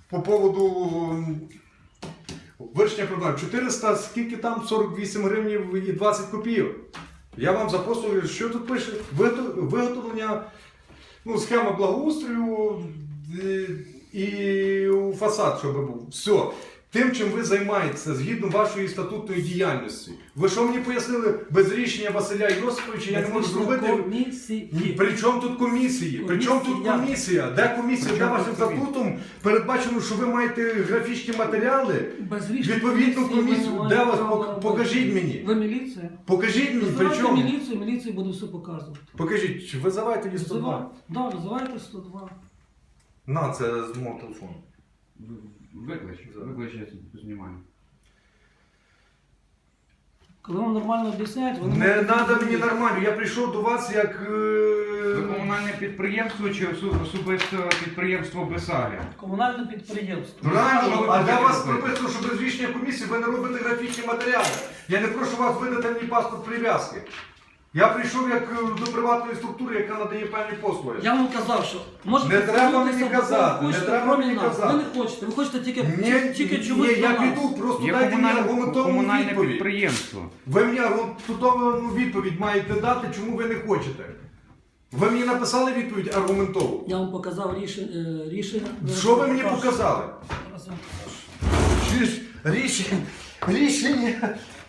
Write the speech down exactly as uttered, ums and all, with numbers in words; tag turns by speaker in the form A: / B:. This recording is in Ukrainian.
A: по поводу вирішення проблем. чотириста, скільки там? сорок вісім гривень і двадцять копійок. Я вам запостую, що тут пише? Виготовлення, ну, схема благоустрою і, і фасад, щоб був. Все. Тим, чим ви займаєтеся, згідно вашої статутної діяльності. Ви що мені пояснили? Без рішення Василя Йосиповича я не можу зробити.
B: Комісії.
A: При чому тут комісії? При чому тут
B: Комісія.
A: комісія? Де комісія? Де вашим статутом передбачено, що ви маєте графічні матеріали?
B: Без рішення
A: Відповідну
B: комісії
A: комісію.
B: ви не
A: Де
B: маєте
A: вас?
B: права
A: Пок-
B: робити.
A: покажіть мені.
B: Ви міліція?
A: Покажіть мені, при
B: Визивайте
A: чому?
B: міліцію, міліція буде все показувати.
A: Покажіть, визивайте її сто два.
B: Так, да, визивайте сто два.
A: На, це з мого телефону.
C: Виклич, виклич, я знімаю.
B: Коли вам нормально об'ясняють, вони...
A: Не
B: можуть-
A: треба мені нормально, я прийшов до вас як... е,
C: Ви комунальне підприємство чи осу- особисте підприємство Бесаля?
B: Комунальне підприємство.
A: Правильно,
C: Що ви
A: а
C: хочете
A: для вас
C: робити?
A: прописано, що без рішення комісії ви не робите графічні матеріали. Я не прошу вас видати мені паспорт прив'язки. Я прийшов як е, до приватної структури, яка надає певні послуги.
B: Я вам казав, що можете
A: Не треба
B: звернутися
A: мені
B: до кого
A: казати, не
B: хочете,
A: треба
B: кроме
A: мені
B: нас.
A: казати.
B: Ви не хочете, ви хочете тільки,
A: Ні,
B: тільки
A: ні,
B: чомусь
A: я
B: до нас.
A: піду, просто
C: Є
A: дайте мені
C: комунальне,
A: аргументовану
C: комунальне
A: відповідь.
C: підприємство.
A: Ви мені аргументовану відповідь маєте дати, чому ви не хочете. Ви мені написали відповідь аргументову.
B: Я вам показав рішення. рішення.
A: Що ви мені показали?
B: Зараз я вам покажу.
A: Чи ж рішення, рішення